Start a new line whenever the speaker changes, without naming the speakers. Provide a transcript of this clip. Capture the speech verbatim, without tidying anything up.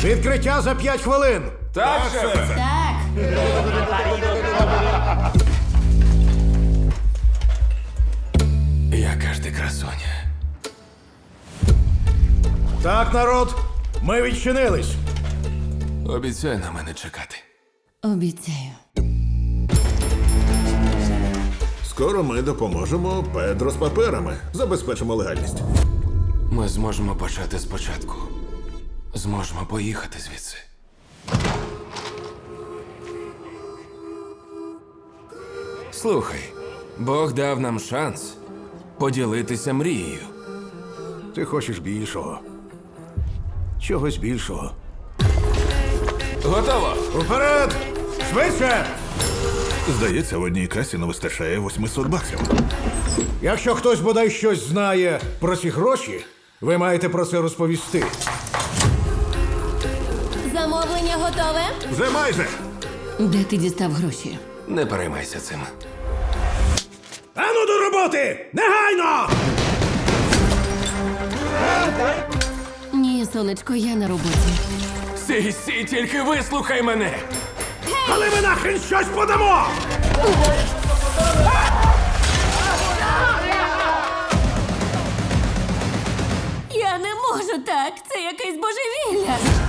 Відкриття за п'ять хвилин.
Так, шефе.
Так.
Яка ж ти красуня.
Так, народ, ми відчинились.
Обіцяй на мене чекати.
Обіцяю.
Скоро ми допоможемо Педро з паперами. Забезпечимо легальність.
Ми зможемо почати спочатку. Зможемо поїхати звідси. Слухай, Бог дав нам шанс поділитися мрією.
Ти хочеш більшого. Чогось більшого.
Готово!
Уперед! Швидше!
Здається, в одній касі не вистачає восьмисот баксів.
Якщо хтось бодай щось знає про ці гроші, ви маєте про це розповісти.
Замовлення готове?
Вже майже.
Де ти дістав гроші?
Не переймайся цим.
Ану до роботи! Негайно!
Ні, сонечко, я на роботі.
Сій, сій, тільки вислухай мене!
Але ми нахрен щось подамо!
Я не можу так. Це якесь божевілля.